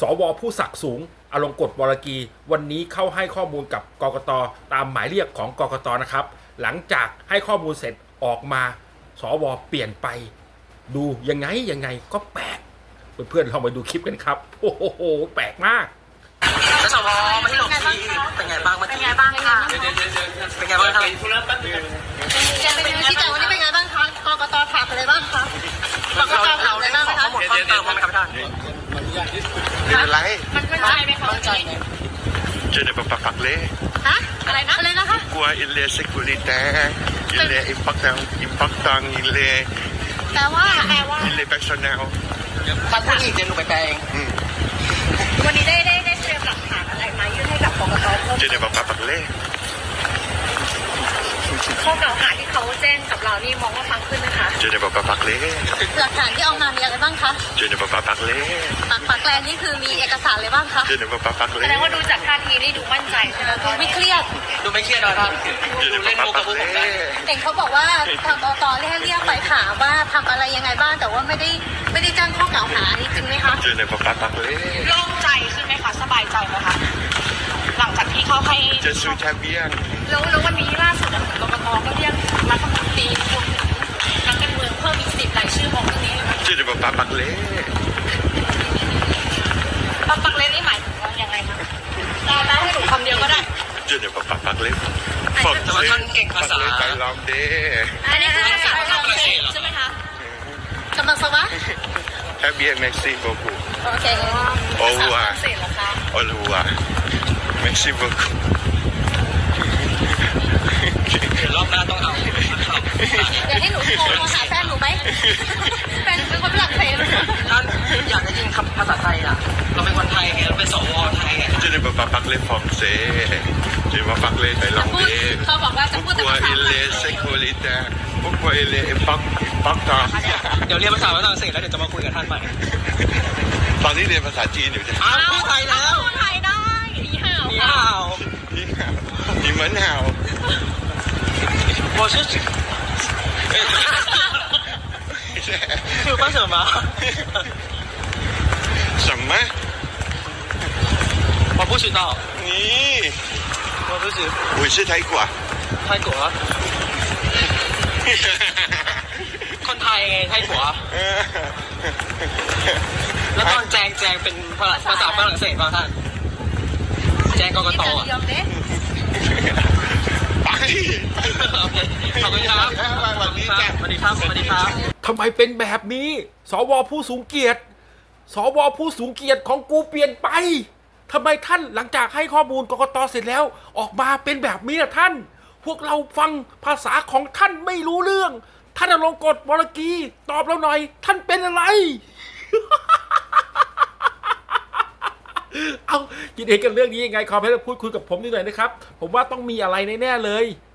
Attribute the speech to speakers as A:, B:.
A: วผู้ศักดิ์สูงอลงกฎวรกีวันนี้เข้าให้ข้อมูลกับกกตตามหมายเรียกของกกตนะครับหลังจากให้ข้อมูลเสร็จออกมาสวเปลี่ยนไปดูยังไงก็แปลกเพื่อนๆลองไปดูคลิปกันครับโอ้โหแปลกมาก
B: แล้วสวมาที่หลวงพี่เป็นไงบ้างเมื่อกี้เป็นไงบ้างค่ะเป็นไงบ้างครับ
C: แกเป็นยังไงที่แต่วันนี้เป็นไงบ้างคะกกตถามอะไรบ้างคะกกตถามอะไรบ้างคะ
B: ข้อมูลเพิ่มเติมไหมครับท่าน
D: เป็นอะไร
C: มันมั่นใจไหมคะมั่นใจไหม
D: Je ne peux pas parler.
C: ฮะอะไรนะคะ
D: Pourquoi il est sécuritaire, il est important, il est
C: แปลว่า
D: il est personnel.
B: ท่านพูดอีกเดี๋ยวหนูไปแปลเอง
C: วันนี้ได้เตรียมหลักฐานอะไรมายื่นให้กับกกตเพิ่ม
D: Je ne peux pas parler.
C: ข้อกล่าวหาที่เขาแจ้งกับเรานี่มองว่าฟังขึ้นไหมคะ
D: Je ne peux pas parler.
C: หลักฐานที่เอามามีอะไรบ้างคะ
D: Je ne peux pas parler.
C: ปากแกลนนี่คือมีเอกสารอะไรบ้างคะ
D: Je ne peux pas
C: แสดงว่า
D: parler.
C: ดูจากท่าทีนี่ดูมั่นใจใช่ไหมดูไม่เครียด
B: ดูไม่เครียดเลยท่าน
D: Je
B: ดู
D: ne
B: เล่
D: peux
B: น
D: pas
B: มุกกับพวกผมได้
D: parler.
C: เห็นเขาบอกว่าทางกกตเรียกไปถามว่าทำอะไรยังไงบ้างแต่ว่าไม่ได้แจ้งข้อกล่าวหาอันนี้จริงไหมคะ
D: Je ne peux pas parler.
C: โล่งใจขึ้นไหมคะสบายใจไหมคะหลังจากที่เขาให้
D: Je suis très bien.
C: แล้ววันนี้ล่าสุดกกตก็เรียกรัฐมนตรีรวมถึงนักการเมืองเพิ่มอีก10 รายชื่อของเรื่องนี้
D: Je ne peux pas parler.
C: ปักเล่นนี่หมายถึงว่ายังไงคะได้ให้หนูคำเดียวก็ได้
D: Je ne peux pas parler.
B: แต่ว่าท่านเก่งภาษา
D: Parler thaïlandais.
C: อันนี้คือภาษาฝรั่งเศสใช่ไหมคะกำลังสวะ
D: Très bien, merci beaucoup.
C: โอเค
D: Au revoir.
C: เศสเหรอคะ
D: Au revoir. Merci beaucoup.
B: เดี๋ยวรอบหน้าต้องเอา
C: อยากให้หนูโทรหาแฟนหนูไหมแฟนเป็นคนฝรั่งเศส
B: ท่านอยากได้ยินคำภาษาไทยอ่ะเราเป็นคนไทยไงเราเป็นสวไทยไง
D: Je ne peux pas parler français. Je vais parler
C: จะพูด
D: thaïlandais.
C: เขาบอกว่าจะพูดแต่
D: Pourquoi
C: ภาษา
D: il est sécuritaire? Pourquoi il est important?
B: เดี๋ยวเรียนภาษาฝรั่งเศสแล้วเดี๋ยวจะมาคุยกับท่านใหม่
D: ตอนนี้เรียนภาษาจีนอยู่จ้ะ
B: อ้าวพูดไทยแล้ว
C: พูดไทยได้อีห่าว
B: 你
C: ค่ะ
B: 好
D: 你们好。
B: 我是คือว่า什么
D: 什么？
B: 我不知道
D: 你？
B: 我不知
D: 我是泰国啊。
B: 泰国คนไทยไงไทยผัวแล้วตอนแจงเป็นภาษาฝรั่งเศสป่ะท่านแจงกกตอ่ะ
C: ยอมเด้
D: ไป
B: โอเคขอบคุณครับ
D: สวัสดีจ้ะ
B: สวัสดีครับสวัสดีครับ
A: ทำไมเป็นแบบนี้สวผู้สูงเกียรติสวผู้สูงเกียรติของกูเปลี่ยนไปทำไมท่านหลังจากให้ข้อมูลกกตเสร็จแล้วออกมาเป็นแบบนี้นะท่าน พวกเราฟังภาษาของท่านไม่รู้เรื่องท่านอลงกฎวรกีตอบเราหน่อยท่านเป็นอะไร เอาคิดเองกันเรื่องนี้ยังไงคอมเมนต์พูดคุยกับผมนิดหน่อยนะครับผมว่าต้องมีอะไรแน่ๆเลย